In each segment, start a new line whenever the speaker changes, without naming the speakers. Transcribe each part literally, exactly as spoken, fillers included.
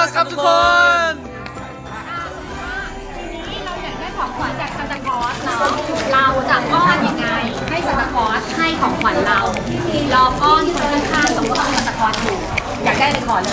ครับทุกคน
นี่เราอยากได้ของขวัญจากซานตาคลอสเนาะเราจะอ้อนยังไงให้ซานตาคลอสให้ของขวัญเราลองอ้อนคนข้างๆสมมติว่าซานตาคลอสอยู่อยากได้เลยขอเลย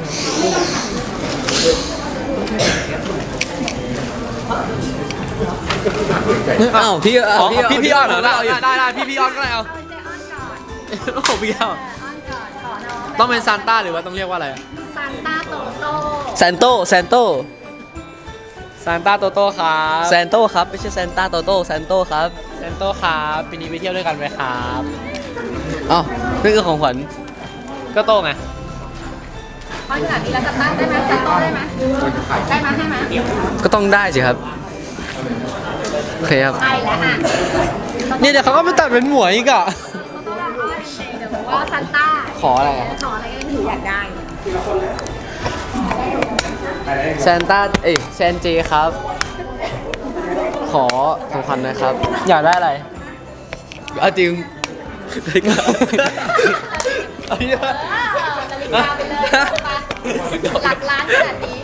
อ้าวพี่
อ๋อพี่พี่อ้อนเหรอได้
ได้
ได้ได้พี่พี่อ้อนก็ได้เอา
เอาเจอ้อนก่อน
โอ้โหพี่อ้อน
เอออ้อนก่อนขอน้อง
ต้องเป็นซานต้าหรือว่าต้องเรียกว่าอะไร
ซานต้าโตโต้
แซนโตแซนโต
ซานต้าโตโต้ครับ
แซนโตครับไม่ใช่แซนต้าโตโต้แซนโตครับ
แซนโต้ครับปีนี้ไปเที่ยวด้วยกันไหมครับ
อ้าวนี่คือของขวัญ
ก็โต้ไง
อ้อนขนาดนี้แล้วซานต้าได้ไหมซานโต้ได้ไหมได้ไหมให้ไหม
ก็ต้องได้สิครับโอเคครับ
ใช่แล้วอ่ะ
เนี่ยเดี๋ยวเขาก็ไปตัดเป็นหมวยอีกอ่ะ
โตโต้เราอ้อนจริงๆเดี๋ยวบอกว่าซานต้า
ขออะไรอะ
ขออะไรก็ถืออยากได้
แซนต้าเอ้ยแซนเจครับ ขอของขวัญหนะครับ
อยากได้อะไร
เอาจริง
เอาเยอะ
เออนาฬิกาไปเลยไปหลักล้านขนาดนี้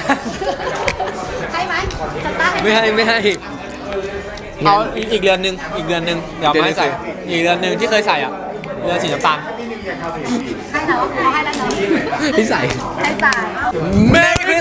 ให้ไหมซานต้าให้ไหม
ไม่ให้ไม่ให้
เอาอีกอีกเดือนหนึ่งอีกเดือนหนึ่งเดี๋ยวไม่ใส่ อีกเดือนหนึ่งที่เคยใส่อ่ะเดือนสีน้ำตาล
ให้แล้วเขาให้แล้วเนาะ
ที่ใส่
ให้จ่าย
Merry